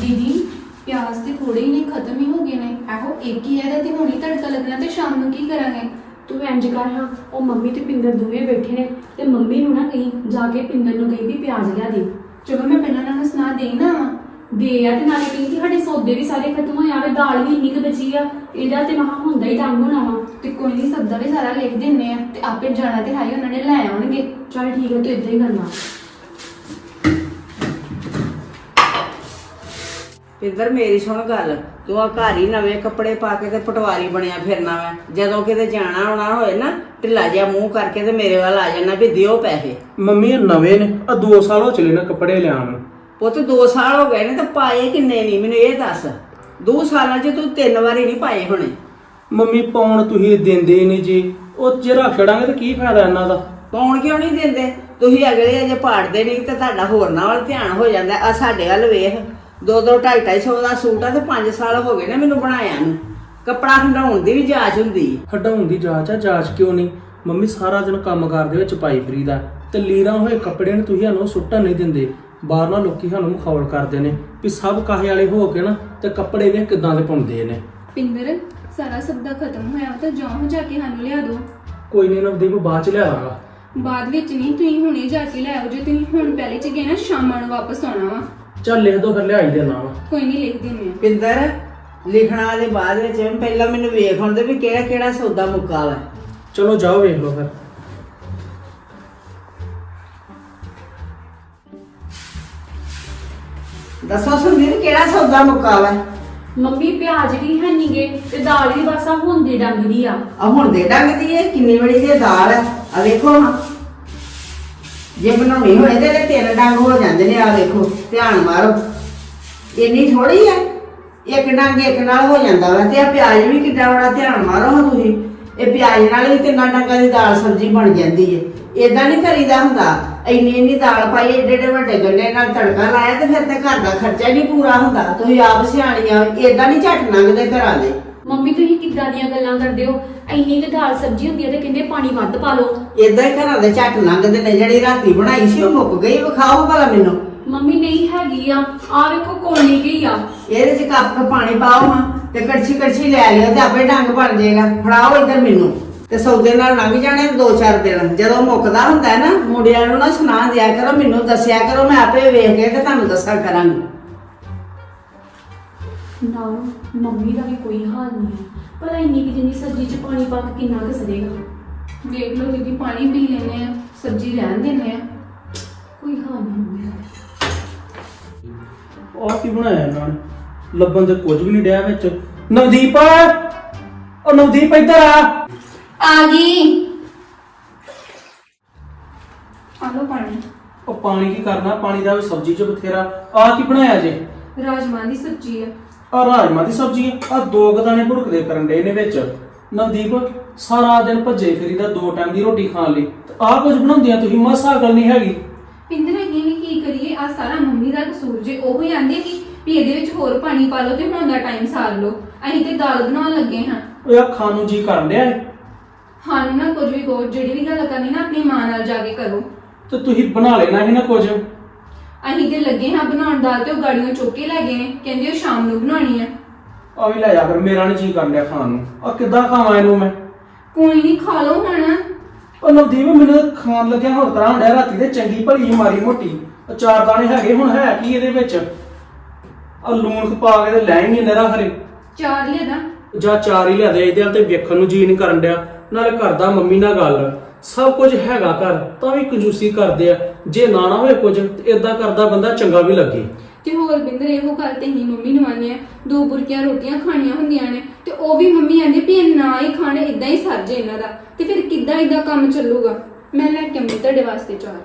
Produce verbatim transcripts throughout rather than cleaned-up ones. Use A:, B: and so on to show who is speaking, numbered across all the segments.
A: दीदी प्याज तो थोड़े ही नहीं खत्म ही हो गए ने आहो एक ही है ते हुणी तड़का लगना ते शाम ਨੂੰ ਕੀ ਕਰਾਂਗੇ।
B: ਤੂੰ ਇੰਜ ਕਰ ਹਾਂ ਉਹ ਮੰਮੀ ਤੇ ਪਿੰਦਰ ਦੋਵੇਂ ਬੈਠੇ ਨੇ ਤੇ ਮੰਮੀ ਨੂੰ ਨਾ ਕਹੀਂ ਜਾ ਕੇ ਪਿੰਦਰ ਨੂੰ ਕਹੀਂ ਵੀ ਪਿਆਜ਼ ਲਿਆ ਦੇ।
A: ਚਲੋ ਮੈਂ ਪਹਿਲਾਂ ਨਾਲ ਸੁਣਾ ਦੇਈ ਨਾ ਵਾ
B: ਦੇ ਆ ਤੇ ਨਾਲੇ ਕਹੀਂ ਕਿ ਸਾਡੇ ਸੌਦੇ ਵੀ ਸਾਰੇ ਖਤਮ ਹੋਏ ਆਵੇ ਦਾਲ ਵੀ ਇੰਨੀ ਕੁ ਬਚੀ ਆ ਇਹਦਾ ਤੇ ਮਹਾ ਹੁੰਦਾ ਹੀ ਟੰਗ ਹੋਣਾ ਵਾ।
A: ਤੇ ਕੋਈ ਨਹੀਂ ਸਬਦਾ ਵੀ ਸਾਰਾ ਲਿਖ ਦਿੰਨੇ ਆ ਤੇ ਆਪੇ ਜਾਣਾ ਤੇ ਹਾਈ ਉਹਨਾਂ ਨੇ ਲੈ ਆਉਣਗੇ।
B: ਚੱਲ ਠੀਕ ਹੈ ਤੂੰ ਇਦਾਂ ਹੀ ਕਰਨਾ।
C: ਪਿੰਦਰ ਮੇਰੀ ਸੁਣ ਗੱਲ, ਤੂੰ ਆ ਘਰ ਹੀ ਨਵੇਂ ਕੱਪੜੇ ਪਾ ਕੇ ਤੇ ਪਟਵਾਰੀ ਬਣਿਆ ਫਿਰਨਾ ਵਾ। ਜਦੋਂ ਕਿਤੇ ਜਾਣਾ ਆਉਣਾ ਹੋਏ ਨਾ ਢਿੱਲਾ ਜਿਹਾ ਮੂੰਹ ਕਰਕੇ ਤੇ ਮੇਰੇ ਵੱਲ ਆ ਜਾਣਾ ਵੀ ਦਿਓ ਪੈਸੇ।
D: ਮੰਮੀ ਇਹ ਨਵੇਂ ਨੇ ਆ ਦੋ ਸਾਲ ਹੋ ਚਲੇ ਨਾ ਕੱਪੜੇ ਲਿਆਉਣ ਨੂੰ।
C: ਪੁੱਤ ਦੋ ਸਾਲ ਹੋ ਗਏ ਨੇ ਤੇ ਪਾਏ ਕਿੰਨੇ ਨਹੀਂ ਮੈਨੂੰ ਇਹ ਦੱਸ। ਦੋ ਸਾਲਾਂ 'ਚ ਤੂੰ ਤਿੰਨ ਵਾਰੀ ਨਹੀਂ ਪਾਏ ਹੋਣੇ।
D: ਮੰਮੀ ਪਾਉਣ ਤੁਸੀਂ ਦਿੰਦੇ ਨਹੀਂ ਜੀ, ਉਹ ਜੇ ਰੱਖ ਛੜਾਂਗੇ ਤਾਂ ਕੀ ਫਾਇਦਾ ਇਹਨਾਂ ਦਾ।
C: ਪਾਉਣ ਕਿਉਂ ਨਹੀਂ ਦਿੰਦੇ? ਤੁਸੀਂ ਅਗਲੇ ਅਜੇ ਪਾੜਦੇ ਨਹੀਂ ਤੇ ਤੁਹਾਡਾ ਹੋਰਨਾਂ ਵੱਲ ਧਿਆਨ ਹੋ ਜਾਂਦਾ। ਆ ਸਾਡੇ ਵੱਲ ਵੇਖ, ਦੋ ਦੋ ਢਾਈ ਢਾਈ ਸੌ ਦਾ ਸੂਟ ਆ ਤੇ ਪੰਜ ਸਾਲ ਹੋ ਗਏ ਨੇ ਮੈਨੂੰ ਬਣਾਇਆ ਨੂੰ। ਕੱਪੜਾ ਹੰਡਾਉਣ ਦੀ ਵੀ ਜਾਂਚ ਹੁੰਦੀ ਹੈ।
D: ਹਟਾਉਣ ਦੀ ਜਾਂਚ ਆ, ਜਾਂਚ ਕਿਉਂ ਨਹੀਂ? ਮੰਮੀ ਸਾਰਾ ਦਿਨ ਕੰਮ ਕਾਰ ਦੇ ਵਿੱਚ ਪਾਈ ਫਰੀਦਾ ਤੇ ਲੀਰਾਂ ਹੋਏ ਕੱਪੜੇ ਨੂੰ ਤੁਸੀਂ ਸਾਨੂੰ ਸੁੱਟਣ ਨਹੀਂ ਦਿੰਦੇ। ਬਾਹਰ ਨਾਲ ਲੋਕੀ ਸਾਨੂੰ ਮਖੌਲ ਕਰਦੇ ਨੇ ਵੀ ਸਭ ਕਾਹੇ ਵਾਲੇ ਹੋ ਕੇ ਨਾ ਤੇ ਕੱਪੜੇ ਵੇ ਕਿਦਾਂ ਦੇ ਪਾਉਂਦੇ ਨੇ।
A: ਪਿੰਦਰ ਸਾਰਾ ਸਬਦਾ ਖਤਮ ਹੋਇਆ ਤਾਂ ਜਾਓ ਜਾ ਕੇ ਸਾਨੂੰ ਲਿਆ ਦਿਓ।
D: ਕੋਈ ਨਹੀਂ ਨਵਦੀਪ ਬਾਅਦ ਚ ਲਿਆਵਾਂਗਾ।
A: ਬਾਅਦ ਵਿੱਚ ਨਹੀਂ, ਤੁਸੀਂ ਹੁਣੇ ਜਾ ਕੇ ਲੈ ਆਓ। ਜੇ ਤੁਸੀਂ ਹੁਣ ਪਹਿਲੇ ਚ ਗਏ ਨਾ ਸ਼ਾਮਾਂ ਨੂੰ ਵਾਪਸ ਆਉਣਾ ਵਾ।
D: ਚੱਲ ਲਿਖ ਦੋ ਫਿਰ ਲਿਆਈ ਦੇਣਾ ਵਾ।
A: ਕੋਈ ਨਹੀਂ ਲਿਖ ਦਿੰਦੇ ਆ।
C: ਪਿੰਦਰ ਲਿਖਣਾ ਦੇ ਬਾਅਦ ਵਿੱਚ ਪਹਿਲਾਂ ਮੈਨੂੰ ਵੇਖ ਹੁੰਦੇ ਵੀ ਕਿਹੜਾ ਕਿਹੜਾ ਸੌਦਾ ਮੁੱਕਾ ਵਾ।
D: ਚਲੋ ਜਾਓ ਵੇਖ ਲਓ ਫਿਰ।
C: ਦੱਸੋ ਸੁਨੀਲ ਕਿਹੜਾ ਸੌਦਾ ਮੁੱਕਾ ਵਾ?
B: ਮੰਮੀ ਪਿਆਜ਼ ਵੀ ਹੈ ਨੀਗੇ ਤੇ ਦਾਲ ਵੀ ਬਸ ਆ ਹੁੰਦੀ ਡੰਗਦੀ ਆ।
C: ਆ ਹੁਣ ਦੇ ਡੰਗਦੀ ਏ ਕਿੰਨੀ ਬੜੀ ਦੀ ਦਾਲ ਹੈ। ਆ ਵੇਖੋ ਹਾਂ, ਜੇ ਬਣਾਉਣੀ ਹੋਏ ਤੇ ਇਹਦੇ ਤਿੰਨ ਡੰਗ ਹੋ ਜਾਂਦੇ ਨੇ। ਆ ਵੇਖੋ ਧਿਆਨ ਮਾਰੋ, ਇੰਨੀ ਥੋੜੀ ਹੈ, ਇੱਕ ਡੰਗ ਇੱਕ ਨਾਲ ਹੋ ਜਾਂਦਾ ਵਾ। ਤੇ ਆ ਪਿਆਜ਼ ਵੀ ਕਿੱਡਾ ਬੜਾ, ਧਿਆਨ ਮਾਰੋ ਹਾਂ ਤੁਸੀਂ। ਇਹ ਪਿਆਜ਼ ਨਾਲ ਵੀ ਤਿੰਨਾਂ ਡੰਗਾਂ ਦੀ ਦਾਲ ਸਬਜ਼ੀ ਬਣ ਜਾਂਦੀ ਏ। ਏਦਾਂ ਨਹੀਂ ਕਰੀਦਾ ਹੁੰਦਾ। ਇੰਨੀ ਇੰਨੀ ਦਾਲ ਪਾਈ, ਏਡੇ ਏਡੇ ਵੱਡੇ ਗੰਢੇ ਨਾਲ ਤੜਕਾ ਲਾਇਆ ਤੇ ਫਿਰ ਤੇ ਘਰ ਦਾ ਖਰਚਾ ਨਹੀਂ ਪੂਰਾ ਹੁੰਦਾ। ਤੁਸੀਂ ਆਪ ਸਿਆਣੀਆਂ, ਏਦਾਂ ਨਹੀਂ ਝੱਟ ਲੰਘਦੇ ਘਰਾਂ ਦੇ।
B: ਮੰਮੀ ਤੁਸੀਂ ਕਿੱਦਾਂ ਦੀਆਂ ਗੱਲਾਂ ਕਰਦੇ ਹੋ? ਇੰਨੀ ਕੁ ਦਾਲ ਸਬਜ਼ੀ ਹੁੰਦੀ ਹੈ ਤੇ ਕਹਿੰਦੇ ਪਾਣੀ ਵੱਧ ਪਾ ਲਓ।
C: ਏਦਾਂ ਹੀ ਘਰਾਂ ਦੇ ਝੱਟ ਲੰਘਦੇ ਨੇ। ਜਿਹੜੀ ਰਾਤੀ ਬਣਾਈ ਸੀ ਉਹ ਮੁੱਕ ਗਈ, ਵਿਖਾਓ ਭਲਾ ਮੈਨੂੰ।
B: ਮੰਮੀ ਨਹੀਂ ਹੈਗੀ ਆ, ਆ ਵੇਖੋ ਕੋਣੀ ਗਈ ਆ।
C: ਇਹਦੇ ਚ ਕੱਪ ਪਾਣੀ ਪਾਓ ਹਾਂ ਤੇ ਕੜਛੀ ਕੜਛੀ ਲੈ ਲਿਓ ਤੇ ਆਪੇ ਡੰਗ ਬਣ ਜਾਏਗਾ। ਫੜਾਓ ਇੱਧਰ ਮੈਨੂੰ। ਤੇ ਸੌਦੇ ਨਾਲ ਲੰਘ ਜਾਣੇ ਦੋ ਚਾਰ ਦਿਨ। ਜਦੋਂ ਮੁੱਕਦਾ ਹੁੰਦਾ ਹੈ ਨਾ, ਮੁੰਡਿਆਂ ਨੂੰ ਨਾ ਸੁਣਾ ਦਿਆ ਕਰੋ, ਮੈਨੂੰ ਦੱਸਿਆ ਕਰੋ, ਮੈਂ ਆਪੇ ਵੇਖ ਕੇ ਤੇ ਤੁਹਾਨੂੰ ਦੱਸਿਆ ਕਰਾਂਗੀ।
B: ਨਾ ਮੰਮੀ ਦਾ ਵੀ ਕੋਈ ਹਾਲ ਨਹੀਂ ਹੈ, ਪਰ ਇੰਨੀ ਕਿ ਜਿੰਨੀ ਸਬਜ਼ੀ 'ਚ ਪਾਣੀ ਪਾ ਕੇ ਕਿੰਨਾ ਕੁ ਸੜੇਗਾ।
A: ਵੇਖ ਲਓ ਦੀਦੀ, ਪਾਣੀ ਪੀ ਲੈਨੇ ਆ, ਸਬਜ਼ੀ ਰਹਿਣ ਦਿੰਨੇ ਆ।
B: ਕੋਈ ਹਾਲ ਨਹੀਂ ਮੰਮੀ ਦਾ।
D: ਆਹ ਕੀ ਬਣਾਇਆ ਇਹਨਾਂ ਨੇ? ਲੱਭਣ ਤੇ ਕੁਝ ਵੀ ਨਹੀਂ ਡਿਆ ਵਿੱਚ। ਨਵਦੀਪ, ਉਹ ਨਵਦੀਪ ਇੱਧਰ ਆ।
A: ਆ ਗਈ। ਆ ਲਓ ਪਾਣੀ।
D: ਉਹ ਪਾਣੀ ਕੀ ਕਰਨਾ, ਪਾਣੀ ਦਾ ਵੀ ਸਬਜ਼ੀ ਚ ਬਥੇਰਾ। ਆ ਕੀ ਬਣਾਇਆ ਜੇ?
A: ਰਾਜਮਾਂਹ ਦੀ ਸਬਜ਼ੀ ਆ।
D: ਆ ਰਾਜਮਾ ਦੀ ਸਬਜ਼ੀ ਆ। ਦੋ ਗਦਾਨੇ ਭੁੜਕਦੇ ਕਰਨ ਡੇ ਨੇ ਵਿੱਚ। ਨਵਦੀਪ ਸਾਰਾ ਦਿਨ ਭੱਜੇ ਫਿਰੀਦਾ ਦੋ ਟਾਈਮ ਦੀ ਰੋਟੀ ਖਾਣ ਲਈ, ਆ ਕੁਝ ਬਣਾਉਂਦੀਆਂ ਤੁਸੀਂ? ਮਸਾ ਗੱਲ ਨਹੀਂ ਹੈਗੀ।
A: ਪਿੰਦਰ ਅਸੀਂ ਵੀ ਕੀ ਕਰੀਏ, ਆ ਸਾਰਾ ਮੰਮੀ ਦਾ ਕਸੂਰ ਜੇ। ਉਹ ਹੀ ਆਂਦੇ ਕਿ ਵੀ ਇਹਦੇ ਵਿੱਚ ਹੋਰ ਪਾਣੀ ਪਾ ਲਓ ਤੇ ਹੁਣ ਦਾ ਟਾਈਮ ਸਾਰ ਲਓ। ਅਸੀਂ ਤੇ ਦਾਲ ਬਣਾਉਣ ਲੱਗੇ ਹਾਂ।
D: ਉਹ ਆ ਖਾਣ ਨੂੰ ਜੀ ਕਰਨ ਡਿਆ ਏ।
A: ਸਾਨੂੰ ਨਾ ਕੁਝ ਵੀ ਕਹੋ, ਜਿਹੜੀ ਵੀ ਗੱਲ ਕਰਨੀ ਨਾ ਆਪਣੀ ਮਾਂ ਨਾਲ ਜਾ ਕੇ ਕਰੋ।
D: ਤੇ ਤੁਸੀਂ ਬਣਾ ਲੈਣਾ ਸੀ ਨਾ ਕੁਝ।
A: ਅਸੀਂ ਤੇ ਲੱਗੇ ਹਾਂ ਬਣਾਉਣ ਦਾਲ ਤੇ ਉਹ ਗਾੜੀਆਂ ਚੁੱਕ ਕੇ ਲੈ ਗਏ ਨੇ, ਕਹਿੰਦੇ ਉਹ ਸ਼ਾਮ ਨੂੰ ਬਣਾਉਣੀ ਆ।
D: ਆ ਵੀ ਲੈ ਜਾ ਫਿਰ, ਮੇਰਾ ਨਹੀਂ ਜੀ ਕਰਨ ਡਿਆ ਖਾਣ ਨੂੰ। ਆ ਕਿੱਦਾਂ ਖਾਵਾਂ ਇਹਨੂੰ ਮੈਂ?
A: ਕੋਈ ਨਹੀਂ, ਖਾ ਲਓ ਹੁਣ।
D: ਉਹ ਨਵਦੀਪ ਮੈਨੂੰ ਤਾਂ ਖਾਣ ਲੱਗਿਆ ਹੋਰ ਤਰ੍ਹਾਂ ਹੁੰਦਾ। ਰਾਤੀ ਤੇ ਚੰਗੀ ਭਲੀ ਮਾਰੀ ਮੋਟੀ ਚਾਰ ਦਾਣੇ ਹੈਗੇ, ਹੁਣ ਹੈ ਕੀ ਇਹਦੇ ਵਿੱਚ? ਆ ਲੂਣ ਪਾ ਕੇ ਤੇ ਲੈ ਹੀ ਨਹੀਂ ਨਰਾ ਹਰੇ।
A: ਚਾਰ ਲਿਆਦਾ
D: ਜਾਂ ਚਾਰ ਹੀ ਲਿਆਦੇ। ਇਹਦੇ ਵੱਲ ਤੇ ਵੇਖਣ ਨੂੰ ਜੀ ਨਹੀਂ ਕਰਨ ਡਿਆ। ਨਾਲੇ ਕਰਦਾ ਮੰਮੀ ਨਾਲ ਗੱਲ, ਸਭ ਕੁਝ ਹੈਗਾ ਘਰ ਤਾਂ ਵੀ ਕੰਜੂਸੀ ਕਰਦੇ ਆ। ਜੇ ਨਾ ਨਾ ਹੋਏ ਕੁਝ ਤੇ ਏਦਾਂ ਕਰਦਾ ਬੰਦਾ ਚੰਗਾ ਵੀ ਲੱਗੇ।
A: ਤੇ ਹੋਰ ਬਿੰਦਰ ਇਹੋ ਗੱਲ ਤੇ ਹੀ ਮੰਮੀ ਨੂੰ ਆਨੇ ਆ, ਦੋ ਬੁਰਕੀਆਂ ਰੋਟੀਆਂ ਖਾਣੀਆਂ ਹੁੰਦੀਆਂ ਨੇ ਤੇ ਉਹ ਵੀ ਮੰਮੀ ਆਂਦੀ ਵੀ ਇਹ ਨਾ ਹੀ ਖਾਣੇ, ਇਦਾਂ ਹੀ ਸਰ ਜੇ ਇਹਨਾਂ ਦਾ। ਤੇ ਫਿਰ ਕਿੱਦਾਂ ਇਦਾਂ ਕੰਮ ਚੱਲੂਗਾ? ਮੈਂ ਲੈ ਕੇ ਆਉਂਦੀ ਤੁਹਾਡੇ ਵਾਸਤੇ ਚਾਰ।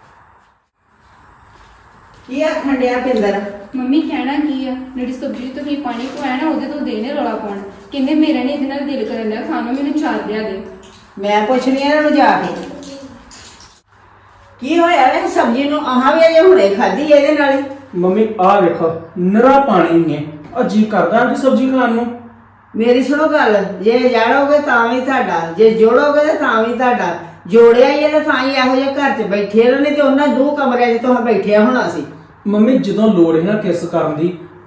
C: ਕੀ ਆਖਣ ਡਿਆ ਪਿੰਦਰ?
A: ਮੰਮੀ ਕਹਿਣਾ ਕੀ ਆ, ਜਿਹੜੀ ਸਬਜ਼ੀ ਤੋਂ ਤੁਸੀਂ ਪਾਣੀ ਪਵਾਇਆ ਨਾ ਉਹਦੇ ਤੋਂ ਦੇਣੇ ਰੌਲਾ ਪਾਉਣ। ਕਹਿੰਦੇ ਮੇਰਾ ਨਹੀਂ ਇਹਦੇ ਨਾਲ ਦਿਲ ਕਰਨ ਡਿਆ ਖਾਣ ਨੂੰ, ਮੈਨੂੰ ਚਾਰ ਲਿਆ ਦੇ।
C: ਮੈਂ ਪੁੱਛਣੀ ਇਹਨਾਂ ਨੂੰ ਜਾ ਕੇ ਕੀ ਹੋਇਆ ਵੇ ਸਬਜ਼ੀ ਨੂੰ? ਆਹਾਂ ਵੀ ਅਜੇ ਹੁਣੇ ਖਾਧੀ ਇਹਦੇ ਨਾਲ ਹੀ।
D: ਮੰਮੀ ਆ ਵੇਖੋ ਨਰਾ ਪਾਣੀ ਨੇ। ਆ ਜੀ ਕਰਦਾ ਕਿ ਸਬਜ਼ੀ ਖਾਣ ਨੂੰ।
C: ਮੇਰੀ ਸੁਣੋ ਗੱਲ, ਜੇ ਜਾੜੋਗੇ ਤਾਂ ਵੀ ਤੁਹਾਡਾ, ਜੇ ਜੋੜੋਗੇ ਤੇ ਤਾਂ ਵੀ ਤੁਹਾਡਾ। ਜੋੜਿਆ ਹੀ ਹੈ ਤਾਂ ਹੀ ਇਹੋ ਜਿਹੇ ਘਰ 'ਚ ਬੈਠੇ ਰਹੇ ਨੇ ਤੇ ਉਹਨਾਂ ਦੋ ਕਮਰਿਆਂ 'ਚ ਤੁਸੀਂ ਬੈਠਿਆ ਹੋਣਾ ਸੀ।
D: ਮੰਮੀ ਜਦੋਂ ਲੋੜ ਹੈ ਨਾ ਕਿਸ ਕਰਨ ਦੀ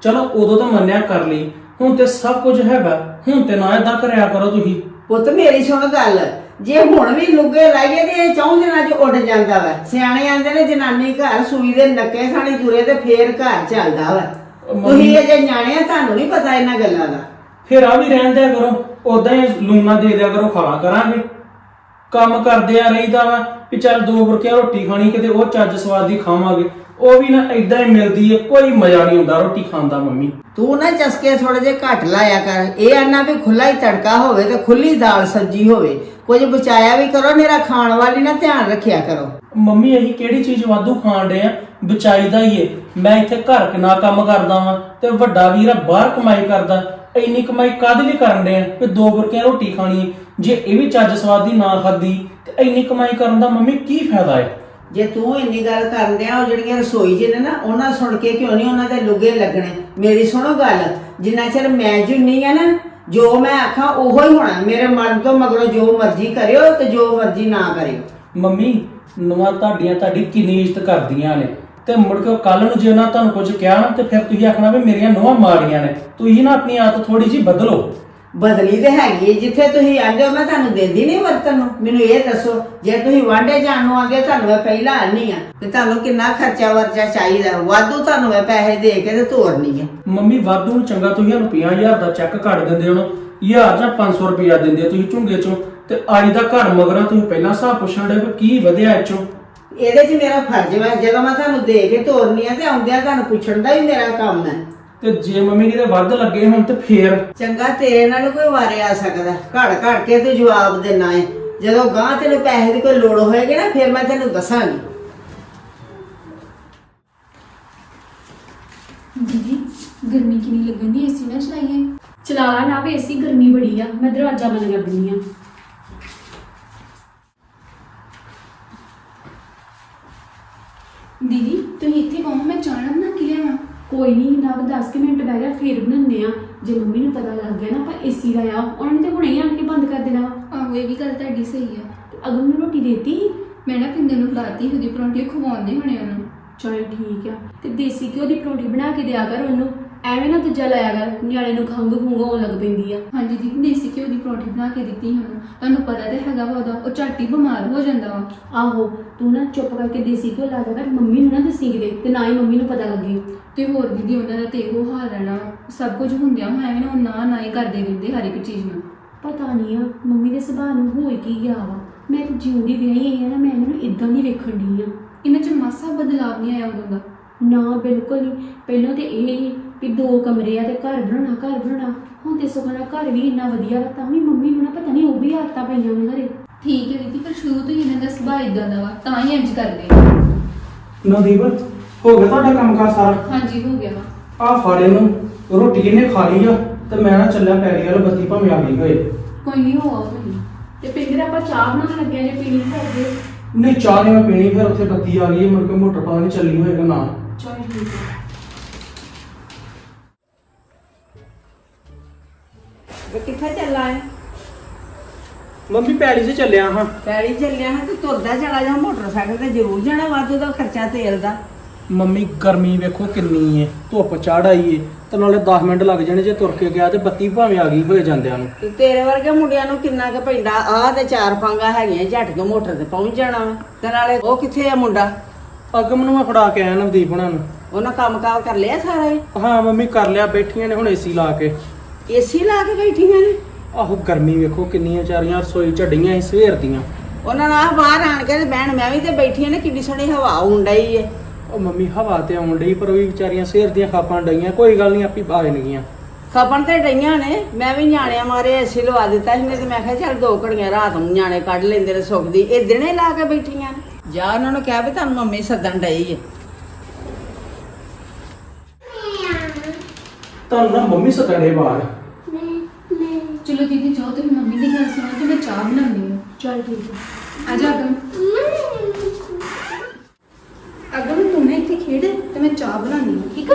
D: ਚਲੋ ਉਦੋਂ ਤਾਂ ਮੰਨਿਆ ਕਰ ਲਈ, ਹੁਣ ਤੇ ਸਭ ਕੁਝ ਹੈਗਾ, ਹੁਣ ਤੇ ਨਾ ਏਦਾਂ ਕਰਿਆ ਕਰੋ ਤੁਸੀਂ।
C: ਪੁੱਤ ਮੇਰੀ ਸੁਣ ਗੱਲ, ਜੇ ਹੁਣ ਵੀ ਲੁੱਗੇ ਲਾਈਏ ਤੇ ਇਹ ਚੌਂ ਦਿਨਾਂ 'ਚ ਉੱਡ ਜਾਂਦਾ ਵਾ। ਸਿਆਣੇ ਆਂਦੇ ਨੇ ਜਨਾਨੀ ਘਰ ਸੂਈ ਦੇ ਨੱਕੇ ਥਾਣੀ ਤੁਰੇ ਤੇ ਫੇਰ ਘਰ ਚੱਲਦਾ ਵਾ। ਤੁਸੀਂ ਅਜੇ ਨਿਆਣੇ ਆ, ਤੁਹਾਨੂੰ ਨਹੀਂ ਪਤਾ ਇਹਨਾਂ ਗੱਲਾਂ ਦਾ।
D: ਫਿਰ ਆ ਵੀ ਰਹਿਣ ਦਿਆ ਕਰੋ, ਉਦਾਂ ਹੀ ਲੂਣਾ ਦੇ ਦਿਆ ਕਰੋ, ਖਾਵਾ ਕਰਾਂਗੇ। ਕੰਮ ਕਰਦੇ ਆ ਰਹੀਦਾ ਵਾ ਵੀ ਚੱਲ ਦੋ ਬੁਰਕੀਆਂ ਰੋਟੀ ਖਾਣੀ, ਕਿਤੇ ਉਹ ਚੱਜ ਸਵਾਦ ਦੀ ਖਾਵਾਂਗੇ, ਉਹ ਵੀ ਨਾ ਏਦਾਂ ਹੀ ਮਿਲਦੀ ਹੈ, ਕੋਈ ਮਜ਼ਾ ਨਹੀਂ ਹੁੰਦਾ ਰੋਟੀ ਖਾਣ ਦਾ। ਮੰਮੀ
C: ਤੂੰ ਨਾ ਚਸਕੇ ਥੋੜੇ ਜਿਹੇ ਘੱਟ ਲਾਇਆ ਕਰ। ਇਹ ਆਨਾ ਵੀ ਖੁੱਲਾ ਹੀ ਤੜਕਾ ਹੋਵੇ ਤੇ ਖੁੱਲੀ ਦਾਲ ਸਬਜ਼ੀ ਹੋਵੇ, ਕੁਝ ਬਚਾਇਆ ਵੀ ਕਰੋ, ਮੇਰਾ ਖਾਣ ਵਾਲੀ ਨਾ ਧਿਆਨ ਰੱਖਿਆ ਕਰੋ।
D: ਮੰਮੀ ਅਸੀਂ ਕਿਹੜੀ ਚੀਜ਼ ਵਾਧੂ ਖਾਣ ਡੇ ਆ, ਬਚਾਈਦਾ ਹੀ ਏ। ਮੈਂ ਇੱਥੇ ਘਰ ਕਿੰਨਾ ਕੰਮ ਕਰਦਾ ਵਾਂ ਤੇ ਵੱਡਾ ਵੀਰ ਆ ਬਾਹਰ ਕਮਾਈ ਕਰਦਾ, ਇੰਨੀ ਕਮਾਈ ਕਾਹਦੇ ਲਈ ਕਰਨ ਡੇ ਆ ਕਿ ਦੋ ਬੁਰਕੀਆਂ ਰੋਟੀ ਖਾਣੀ ਏ? ਜੇ ਇਹ ਵੀ ਚੱਜ ਸਵਾਦ ਦੀ ਨਾ ਖਾਦੀ ਤੇ ਇੰਨੀ ਕਮਾਈ ਕਰਨ ਦਾ ਮੰਮੀ ਕੀ ਫਾਇਦਾ ਏ?
C: ਜੇ ਤੂੰ ਇੰਨੀ ਗੱਲ ਕਰਨ ਡਿਆ, ਉਹ ਜਿਹੜੀਆਂ ਰਸੋਈ 'ਚ ਨੇ ਨਾ, ਉਹਨਾਂ ਸੁਣ ਕੇ ਕਿਉਂ ਨਹੀਂ ਉਹਨਾਂ ਦੇ ਲੁੱਗੇ ਲੱਗਣੇ? ਮੇਰੀ ਸੁਣੋ ਗੱਲ, ਜਿੰਨਾ ਚਿਰ ਮੈਂ ਜੁਨੀ ਆ ਨਾ, ਜੋ ਮੈਂ ਆਖਾਂ ਉਹੋ ਹੀ ਹੋਣਾ। ਮੇਰੇ ਮਨ ਤੋਂ ਮਗਰੋਂ ਜੋ ਮਰਜ਼ੀ ਕਰਿਓ ਤੇ ਜੋ ਮਰਜ਼ੀ ਨਾ ਕਰਿਓ।
D: ਮੰਮੀ ਨੂੰਹਾਂ ਤੁਹਾਡੀਆਂ ਤੁਹਾਡੀ ਕਿੰਨੀ ਇੱਜ਼ਤ ਕਰਦੀਆਂ ਨੇ, ਤੇ ਮੁੜ ਕੇ ਕੱਲ ਨੂੰ ਜੇ ਉਹਨਾਂ ਤੁਹਾਨੂੰ ਕੁਝ ਕਿਹਾ ਨਾ ਤੇ ਫਿਰ ਤੁਸੀਂ ਆਖਣਾ ਵੀ ਮੇਰੀਆਂ ਨੂੰਹਾਂ ਮਾੜੀਆਂ ਨੇ। ਤੁਸੀਂ ਨਾ ਆਪਣੀ ਆਦਤ ਥੋੜੀ ਜਿਹੀ ਬਦਲੋ।
C: ਬਦਲੀ ਤੇ ਹੈਗੀ ਹੈ, ਜਿੱਥੇ ਤੁਸੀਂ ਆਂਦੇ ਹੋ ਮੈਂ ਤੁਹਾਨੂੰ ਦਿੰਦੀ ਨਹੀਂ ਵਰਤਨ ਨੂੰ। ਮੈਨੂੰ ਇਹ ਦੱਸੋ, ਜੇ ਤੁਸੀਂ ਵਾਂਢੇ ਜਾਣ ਨੂੰ ਆਂਦੇ, ਤੁਹਾਨੂੰ ਮੈਂ ਪਹਿਲਾਂ ਆਨੀ ਆ ਤੇ ਤੁਹਾਨੂੰ ਕਿੰਨਾ ਖਰਚਾ ਵਰਚਾ ਚਾਹੀਦਾ? ਵਾਧੂ ਤੁਹਾਨੂੰ ਮੈਂ ਪੈਸੇ ਦੇ ਕੇ ਤੇ ਤੋਰਨੀ ਆ।
D: ਮੰਮੀ ਵਾਧੂ ਨੂੰ ਚੰਗਾ ਤੁਸੀਂ ਸਾਨੂੰ ਪੰਜਾਹ ਹਜ਼ਾਰ ਦਾ ਚੈੱਕ ਕੱਟ ਦਿੰਦੇ ਹੋ, ਹਜ਼ਾਰ ਜਾਂ ਪੰਜ ਸੌ ਰੁਪਇਆ ਦਿੰਦੇ ਹੋ ਤੁਸੀਂ ਝੁੰਗੇ ਚੋਂ, ਤੇ ਅੱਜ ਦਾ ਘਰ ਮਗਰਾਂ ਤੁਸੀਂ ਪਹਿਲਾਂ ਹਿਸਾਬ ਪੁੱਛਣ ਦੇ ਵੀ ਕੀ ਵਧਿਆ ਇਹ ਚੋਂ।
C: ਇਹਦੇ 'ਚ ਮੇਰਾ ਫਰਜ਼ ਵਾ, ਜਦੋਂ ਮੈਂ ਤੁਹਾਨੂੰ ਦੇ ਕੇ ਤੋਰਨੀ ਆ ਤੇ ਆਉਂਦਿਆਂ ਤੁਹਾਨੂੰ ਪੁੱਛਣ ਦਾ ਵੀ ਮੇਰਾ ਕੰਮ ਹੈ।
D: ਤੇ ਜੇ ਮੰਮੀ ਕਿਤੇ ਵੱਧ ਲੱਗੇ ਹੁਣ ਤੇ ਫੇਰ
C: ਚੰਗਾ, ਤੇਰੇ ਨਾਲ ਕੋਈ ਵਾਰੇ ਆ ਸਕਦਾ, ਘੜ ਘੜ ਕੇ ਤੇ ਜਵਾਬ ਦੇਣਾ ਹੈ। ਜਦੋਂ ਗਾਂ ਤੈਨੂੰ ਪੈਸੇ ਦੀ ਕੋਈ ਲੋੜ ਹੋਏਗੀ ਨਾ, ਫਿਰ ਮੈਂ ਤੈਨੂੰ ਦੱਸਾਂਗੀ।
A: ਦੀਦੀ ਗਰਮੀ ਕਿੰਨੀ ਲੱਗਣ ਦੀ, ਏਸੀ ਨਾ ਚਲਾਈਏ?
B: ਚਲਾ ਨਾ ਵੇ, ਏਸੀ ਗਰਮੀ ਬੜੀ ਆ, ਮੈਂ ਦਰਵਾਜ਼ਾ ਬੰਦ ਕਰ ਦਿੰਦੀ ਆ।
A: ਦੀਦੀ ਤੁਸੀਂ ਇੱਥੇ ਕਹੋ, ਮੈਂ ਚਾਹ ਬਣਾ ਕੇ ਲਿਆਵਾਂ?
B: ਕੋਈ ਨਹੀਂ ਨਾ, ਦਸ ਕੁ ਮਿੰਟ ਬਹਿ ਗਿਆ ਫੇਰ ਬਣਾਉਂਦੇ ਆ। ਜੇ ਮੰਮੀ ਨੂੰ ਪਤਾ ਲੱਗ ਗਿਆ ਨਾ ਆਪਾਂ ਏਸੀ ਲਾਇਆ, ਉਹਨਾਂ ਨੇ ਤੇ ਹੁਣੇ ਹੀ ਆਣ ਕੇ ਬੰਦ ਕਰ ਦੇਣਾ ਵਾ।
A: ਆਹੋ ਇਹ ਵੀ ਗੱਲ ਤੁਹਾਡੀ ਸਹੀ ਆ।
B: ਤੇ ਅਗਮ ਨੂੰ ਰੋਟੀ ਦੇਤੀ?
A: ਮੈਂ ਨਾ ਪਿੰਦਰ ਨੂੰ ਖਿਲਾਤੀ, ਉਹਦੀ ਪਰੌਂਠੀ ਖਵਾਉਂਦੇ ਹੋਣੇ ਉਹਨੂੰ।
B: ਚਲ ਠੀਕ ਆ, ਤੇ ਦੇਸੀ ਘਿਓ ਦੀ ਪਰੌਂਠੀ ਬਣਾ ਕੇ ਦਿਆ ਕਰ ਉਹਨੂੰ, ਐਵੇਂ ਨਾ ਦੂਜਾ ਲਾਇਆ ਕਰ, ਨਿਆਣੇ ਨੂੰ ਖੰਘ ਖੁੰਘ ਹੋਣ ਲੱਗ ਪੈਂਦੀ ਆ।
A: ਹਾਂਜੀ ਦੀਦੀ ਦੇਸੀ ਘਿਓ ਦੀ ਪਰੌਂਠੀ ਬਣਾ ਕੇ ਦਿੱਤੀ ਉਹਨੂੰ, ਤੁਹਾਨੂੰ ਪਤਾ ਤੇ ਹੈਗਾ ਵਾ ਉਹਦਾ, ਉਹ ਝੱਟ ਹੀ ਬਿਮਾਰ ਹੋ ਜਾਂਦਾ ਵਾ।
B: ਆਹੋ ਤੂੰ ਨਾ ਚੁੱਪ ਕਰਕੇ ਦੇਸੀ ਘਿਓ ਲਾ ਦਿਆ ਕਰ, ਮੰਮੀ ਨੂੰ ਨਾ ਦੱਸੀ ਕਿਤੇ, ਤੇ ਨਾ ਹੀ ਮੰਮੀ ਨੂੰ ਪਤਾ ਲੱਗੇ।
A: ਤੇ ਹੋਰ ਦੀਦੀ ਉਹਨਾਂ ਦਾ ਤੇ ਇਹੋ ਹਾਲ ਰਹਿਣਾ, ਸਭ ਕੁਝ ਹੁੰਦਿਆਂ ਹੋਇਆ ਵੀ ਨਾ ਉਹ ਨਾ ਨਾ ਹੀ ਕਰਦੇ ਰਹਿੰਦੇ ਹਰ ਇੱਕ ਚੀਜ਼ ਨੂੰ।
B: ਪਤਾ ਨਹੀਂ ਆ ਮੰਮੀ ਦੇ ਸੁਭਾਅ ਨੂੰ ਹੋਏ ਕੀ ਗਿਆ ਵਾ। ਮੈਂ ਤੇ ਜਿਉਂਦੀ ਵਿਆਹੀ ਆਈ ਆ ਨਾ, ਮੈਂ ਇਹਨਾਂ ਨੂੰ ਇਦਾਂ ਦੀ ਵੇਖਣ ਡਈ ਆ।
A: ਇਹਨਾਂ 'ਚ ਮਾਸਾ ਬਦਲਾਵ ਨਹੀਂ ਆਇਆ ਉਦੋਂ ਦਾ।
B: ਨਾ ਬਿਲਕੁਲ ਨਹੀਂ, ਪਹਿਲਾਂ ਤੇ ਇਹ ਹੀ ਵੀ ਦੋ ਕਮਰੇ ਆ ਤੇ ਘਰ ਬਣਾਉਣਾ ਘਰ ਬਣਾਉਣਾ, ਹੁਣ ਤੇ ਸੁਖਣਾ ਘਰ ਵੀ ਇੰਨਾ ਵਧੀਆ ਵਾ, ਤਾਂ ਵੀ ਮੰਮੀ ਨੂੰ ਨਾ ਪਤਾ ਨਹੀਂ ਉਹ ਵੀ ਆਦਤਾਂ ਪਈਆਂ ਨੇ ਘਰੇ।
A: ਠੀਕ ਹੈ ਦੀਦੀ, ਪਰ ਸ਼ੁਰੂ ਤੋਂ ਹੀ ਇਹਨਾਂ ਦਾ ਸੁਭਾਅ ਇਦਾਂ ਦਾ ਵਾ, ਤਾਂ ਹੀ ਇੰਜ ਕਰਦੇ।
D: ਨਦੀਪ ਹੋ ਗਿਆ ਤੁਹਾਡਾ ਕੰਮ ਕਾਰ ਸਾਰਾ?
A: ਹਾਂਜੀ ਹੋ ਗਿਆ ਵਾ।
D: ਆ ਫਾੜੇ ਨੂੰ ਰੋਟੀ ਇਹਨੇ ਖਾ ਲਈ ਆ ਤੇ ਮੈਂ ਨਾ ਚੱਲਿਆ ਪੈੜੀ ਵਾਲ, ਬੱਤੀ ਭਾਵੇਂ ਆ ਗਈ ਹੋਏ।
A: ਕੋਈ ਨਹੀਂ, ਹੋ ਆਓ ਤੁਸੀਂ।
B: ਤੇ ਪਿੰਦਰ ਆਪਾਂ ਚਾਹ ਬਣਾਉਣ ਲੱਗਿਆ, ਜੇ ਪੀਣੀ ਕਰਦੇ।
D: ਨਹੀਂ ਚਾਹ ਨਹੀਂ ਮੈਂ ਪੀਣੀ, ਫਿਰ ਉੱਥੇ ਬੱਤੀ ਆ ਗਈ, ਮੁੜ ਕੇ ਮੋਟਰ ਪਤਾ ਨਹੀਂ ਚੱਲੀ ਹੋਏਗਾ ਨਾ।
B: ਚਲ ਠੀਕ ਹੈ।
C: ਕਿੱਥੇ ਚੱਲਾ ਹੈ?
D: ਮੰਮੀ ਪੈੜੀ 'ਚ ਚੱਲਿਆ ਹਾਂ।
C: ਪੈੜੀ ਚੱਲਿਆ ਹਾਂ ਤੇ ਤੁਰਦਾ ਚਲਾ ਜਾ, ਮੋਟਰਸਾਈਕਲ ਤੇ ਜ਼ਰੂਰ ਜਾਣਾ, ਵਾਧੂ ਦਾ ਖਰਚਾ ਤੇਲ ਦਾ।
D: ਮੰਮੀ ਗਰਮੀ ਵੇਖੋ ਕਿੰਨੀ ਏ, ਧੁੱਪ ਚੜ ਆਈ ਏ, ਤੇ ਨਾਲੇ ਦਸ ਮਿੰਟ ਲੱਗ ਜਾਣੇ ਜੇ ਤੁਰ ਕੇ ਗਿਆ ਤੇ ਬੱਤੀ ਭਾਵੇਂ ਆ ਗਈ ਹੋਏ ਜਾਂਦਿਆਂ ਨੂੰ।
C: ਤੇ ਤੇਰੇ ਵਰਗੇ ਮੁੰਡਿਆਂ ਨੂੰ ਕਿੰਨਾ ਕੁ ਪੈਂਦਾ? ਆਹ ਤੇ ਚਾਰ ਪਾਂਗਾ ਹੈਗੀਆਂ, ਝੱਟ ਕੇ ਮੋਟਰ ਤੇ ਪਹੁੰਚ ਜਾਣਾ ਵਾ। ਤੇ ਨਾਲੇ ਉਹ ਕਿੱਥੇ ਆ ਮੁੰਡਾ?
D: ਅਗਮ ਨੂੰ ਮੈਂ ਫੜਾ ਕੇ ਆਇਆ ਨਵਦੀਪ ਹੁਣਾਂ ਨੂੰ।
C: ਉਹਨਾਂ ਕੰਮ ਕਾਰ ਕਰ ਲਿਆ ਸਾਰਾ ਹੀ?
D: ਹਾਂ ਮੰਮੀ ਕਰ ਲਿਆ, ਬੈਠੀਆਂ ਨੇ ਹੁਣ ਏਸੀ ਲਾ ਕੇ।
C: ਏਸੀ ਲਾ ਕੇ ਬੈਠੀਆਂ ਨੇ?
D: ਆਹੋ ਗਰਮੀ ਵੇਖੋ ਕਿੰਨੀਆਂ ਵਿਚਾਰੀਆਂ ਰਸੋਈ ਝੱਡੀਆਂ ਸੀ ਸਵੇਰ ਦੀਆਂ।
C: ਉਹਨਾਂ ਨਾਲ ਆਹ ਬਾਹਰ ਆਣ ਕੇ ਤੇ ਬਹਿਣ, ਮੈਂ ਵੀ ਤੇ ਬੈਠੀਆਂ ਨੇ, ਕਿੰਨੀ ਸੋਹਣੀ ਹਵਾ ਆਉਣ ਡਈ ਏ।
D: ਉਹ ਮੰਮੀ ਹਵਾ ਤੇ ਆਉਣ ਡਈ, ਪਰ ਉਹ ਵੀ ਵਿਚਾਰੀਆਂ ਸਵੇਰ ਦੀਆਂ ਖਾਪਾਂ ਡਈਆਂ। ਕੋਈ ਗੱਲ ਨਹੀਂ, ਆਪੀ ਆ ਜਾਣਗੀਆਂ।
C: ਖਪਣ ਤੇ ਡਈਆਂ ਨੇ, ਮੈਂ ਵੀ ਨਿਆਣਿਆਂ ਮਾਰੇ ਏਸੀ ਲਵਾ ਦਿੱਤਾ ਸੀ, ਤੇ ਮੈਂ ਕਿਹਾ ਚੱਲ ਦੋ ਘੜੀਆਂ ਰਾਤ ਨੂੰ ਨਿਆਣੇ ਕੱਢ ਲੈਂਦੇ ਨੇ ਸੁੱਖ ਦੀ। ਇਹ ਦਿਨੇ ਲਾ ਕੇ ਬੈਠੀਆਂ ਨੇ। ਜਾ ਉਹਨਾਂ ਨੂੰ ਕਹਿ ਵੀ ਤੁਹਾਨੂੰ ਮੰਮੀ ਸੱਦਣ ਡਈ ਏ।
D: ਤੁਹਾਨੂੰ ਨਾ ਮੰਮੀ ਸਤੜੇ ਬਾਹਰ।
A: ਚਲੋ ਦੀਦੀ ਜਾਓ, ਤੁਸੀਂ ਮੰਮੀ ਦੀ ਗੱਲ ਸੁਣੋ ਤੇ ਮੈਂ ਚਾਹ ਬਣਾਉਂਦੀ ਹਾਂ।
B: ਚਲ ਠੀਕ ਹੈ।
A: ਆ ਜਾ ਅਗਮ। ਅਗਮ ਤੂੰ ਨਾ ਇੱਥੇ ਖੇਡ ਤੇ ਮੈਂ ਚਾਹ ਬਣਾਉਂਦੀ ਹਾਂ, ਠੀਕ ਆ?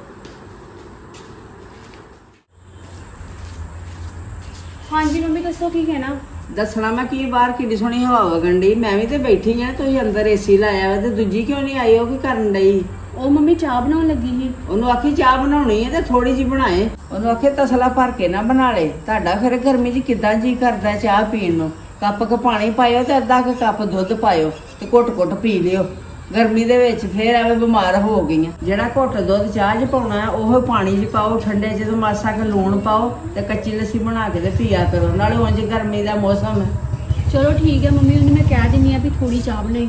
B: ਹਾਂਜੀ ਮੰਮੀ ਦੱਸੋ ਕੀ ਕਹਿਣਾ?
C: ਦੱਸਣਾ ਮੈਂ ਕੀ, ਬਾਹਰ ਕਿੰਨੀ ਸੋਹਣੀ ਹਵਾ ਵਗਣ ਡਈ, ਮੈਂ ਵੀ ਤੇ ਬੈਠੀ ਆ, ਤੁਸੀਂ ਅੰਦਰ ਏਸੀ ਲਾਇਆ ਵਾ ਤੇ ਦੂਜੀ ਕਿਉਂ ਨਹੀਂ ਆਈ? ਉਹ ਕੀ ਕਰਨ ਡਈ?
B: ਉਹ ਮੰਮੀ ਚਾਹ ਬਣਾਉਣ ਲੱਗੀ ਸੀ।
C: ਉਹਨੂੰ ਆਖੀ ਚਾਹ ਬਣਾਉਣੀ ਹੈ ਤੇ ਥੋੜੀ ਜੀ ਬਣਾਏ। ਉਹਨੂੰ ਆਖੇ ਤਸਲਾ ਭਰ ਕੇ ਨਾ ਬਣਾ ਲੇ। ਤੁਹਾਡਾ ਫਿਰ ਗਰਮੀ 'ਚ ਕਿੱਦਾਂ ਜੀ ਕਰਦਾ ਚਾਹ ਪੀਣ ਨੂੰ। ਕੱਪ ਕ ਪਾਣੀ ਪਾਇਓ ਤੇ ਅੱਧਾ ਕੁ ਕੱਪ ਦੁੱਧ ਪਾਇਓ ਤੇ ਘੁੱਟ-ਘੁੱਟ ਪੀ ਲਿਓ। ਗਰਮੀ ਦੇ ਵਿੱਚ ਫੇਰ ਐਵੇਂ ਬਿਮਾਰ ਹੋ ਗਈਆਂ। ਜਿਹੜਾ ਘੁੱਟ ਦੁੱਧ ਚਾਹ 'ਚ ਪਾਉਣਾ ਹੈ ਉਹ ਪਾਣੀ 'ਚ ਪਾਓ ਠੰਡੇ, ਜਦੋਂ ਮਾਸਾ ਕੁ ਲੂਣ ਪਾਓ ਤੇ ਕੱਚੀ ਲੱਸੀ ਬਣਾ ਕੇ ਤੇ ਪੀਆ ਕਰੋ। ਨਾਲੇ ਉਂਝ ਗਰਮੀ ਦਾ ਮੌਸਮ ਹੈ।
B: ਚਲੋ ਠੀਕ ਹੈ ਮੰਮੀ, ਉਹਨੂੰ ਮੈਂ ਕਹਿ ਦਿੰਨੀ ਆ ਵੀ ਥੋੜੀ ਚਾਹ ਬਣਾਈ।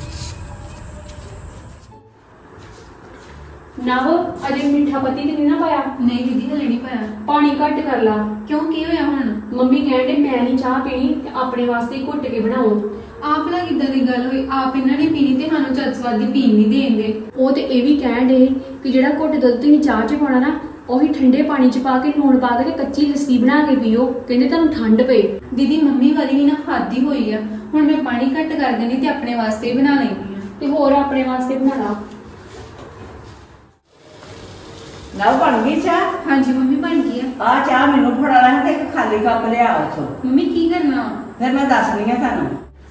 B: ਨਾ ਉਹ ਅਜੇ ਮਿੱਠਾ ਪੱਤੀ ਤੇ ਨਹੀਂ ਨਾ ਪਾਇਆ?
A: ਨਹੀਂ ਦੀਦੀ ਹਲੇ ਨਹੀਂ ਪਾਇਆ।
B: ਪਾਣੀ ਘੱਟ ਕਰ ਲਾ।
A: ਕਿਉਂ, ਕੀ ਹੋਇਆ ਹੁਣ?
B: ਮੰਮੀ ਕਹਿੰਦੇ ਮੈਂ ਨਹੀਂ ਚਾਹ ਪੀਣੀ ਤੇ ਆਪਣੇ ਵਾਸਤੇ ਹੀ ਘੁੱਟ ਕੇ ਬਣਾਓ।
A: ਆਪ ਭਲਾ ਕਿੱਦਾਂ ਦੀ ਗੱਲ ਹੋਈ? ਆਪ ਇਹਨਾਂ ਨੇ ਪੀਣੀ ਤੇ ਸਾਨੂੰ ਚੱਜ ਸਵਾਦ ਦੀ ਪੀਣ ਨਹੀਂ ਦੇਣਗੇ।
B: ਉਹ ਤੇ ਇਹ ਵੀ ਕਹਿਣ ਡੇ ਕਿ ਜਿਹੜਾ ਘੁੱਟ ਦੁੱਧ ਤੁਸੀਂ ਚਾਹ 'ਚ ਪਾਉਣਾ ਨਾ, ਉਹੀ ਠੰਡੇ ਪਾਣੀ 'ਚ ਪਾ ਕੇ ਲੂਣ ਪਾ ਕੇ ਤੇ ਕੱਚੀ ਲੱਸੀ ਬਣਾ ਕੇ ਪੀਓ। ਕਹਿੰਦੇ ਤੁਹਾਨੂੰ ਠੰਡ ਪਏ।
A: ਦੀਦੀ ਮੰਮੀ ਵਾਲੀ ਵੀ ਨਾ ਹੱਦ ਹੀ ਹੋਈ ਆ। ਹੁਣ ਮੈਂ ਪਾਣੀ ਘੱਟ ਕਰ ਦੇਣੀ ਤੇ ਆਪਣੇ ਵਾਸਤੇ ਹੀ ਬਣਾ ਲੈਂਦੀ ਆ।
B: ਤੇ ਹੋਰ ਆਪਣੇ ਵਾਸਤੇ ਬਣਾ ਲਾ।
C: ਨਾ ਬਣ ਗਈ ਚਾਹ?
A: ਹਾਂਜੀ ਮੰਮੀ ਬਣ ਗਈ ਆ।
C: ਆ ਚਾਹ ਮੈਨੂੰ ਫੜਾ ਲੈ ਤੇ ਇੱਕ ਖਾਲੀ ਕੱਪ ਲਿਆ ਉੱਥੋਂ।
A: ਮੰਮੀ ਕੀ ਕਰਨਾ?
C: ਫਿਰ ਮੈਂ ਦੱਸਣੀ ਆ ਤੁਹਾਨੂੰ।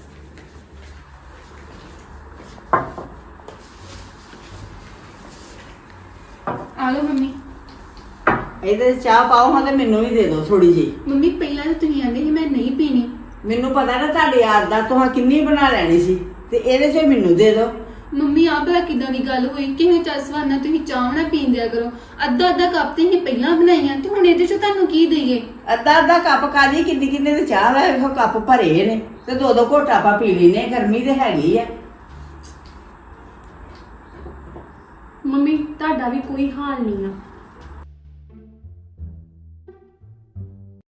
A: ਆ ਲਓ ਮੰਮੀ।
C: ਇਹਦੇ 'ਚ ਚਾਹ ਪਾਓ ਹਾਂ ਤੇ ਮੈਨੂੰ ਵੀ ਦੇ ਦਿਓ ਥੋੜੀ ਜਿਹੀ।
A: ਮੰਮੀ ਪਹਿਲਾਂ ਤਾਂ ਤੁਸੀਂ ਆਂਦੇ ਸੀ ਮੈਂ ਨਹੀਂ ਪੀਣੀ।
C: ਮੈਨੂੰ ਪਤਾ ਨਾ ਤੁਹਾਡੀ ਆਦਤ ਤੁਹਾਂ ਕਿੰਨੀ ਬਣਾ ਲੈਣੀ ਸੀ ਤੇ ਇਹਦੇ 'ਚ ਮੈਨੂੰ ਦੇ ਦਿਓ।
A: ਮੰਮੀ ਆਹ ਭਲਾ ਕਿੱਦਾਂ ਦੀ ਗੱਲ ਹੋਈ? ਕਿਵੇਂ ਚੱਜ ਸਵਾਦ ਨਾਲ ਤੁਸੀਂ ਚਾਹ ਨਾ ਪੀਣ ਦਿਆ ਕਰੋ। ਅੱਧਾ ਅੱਧਾ ਕੱਪ ਤੇ ਅਸੀਂ ਪਹਿਲਾਂ ਬਣਾਈਆਂ ਤੇ ਹੁਣ ਇਹਦੇ 'ਚ ਤੁਹਾਨੂੰ ਕੀ ਦਈਏ?
C: ਅੱਧਾ ਅੱਧਾ ਕੱਪ ਕਾਦੀ, ਕਿੰਨੀ ਕਿੰਨੇ ਤੇ ਚਾਹ ਦਾ ਵੇਖੋ ਕੱਪ ਭਰੇ ਨੇ ਤੇ ਦੋ ਦੋ ਘੋਟਾ ਆਪਾਂ ਪੀ ਲੈਨੇ। ਗਰਮੀ ਤੇ ਹੈਗੀ ਆ।
B: ਮੰਮੀ ਤੁਹਾਡਾ ਵੀ ਕੋਈ ਹਾਲ ਨਹੀਂ ਆ।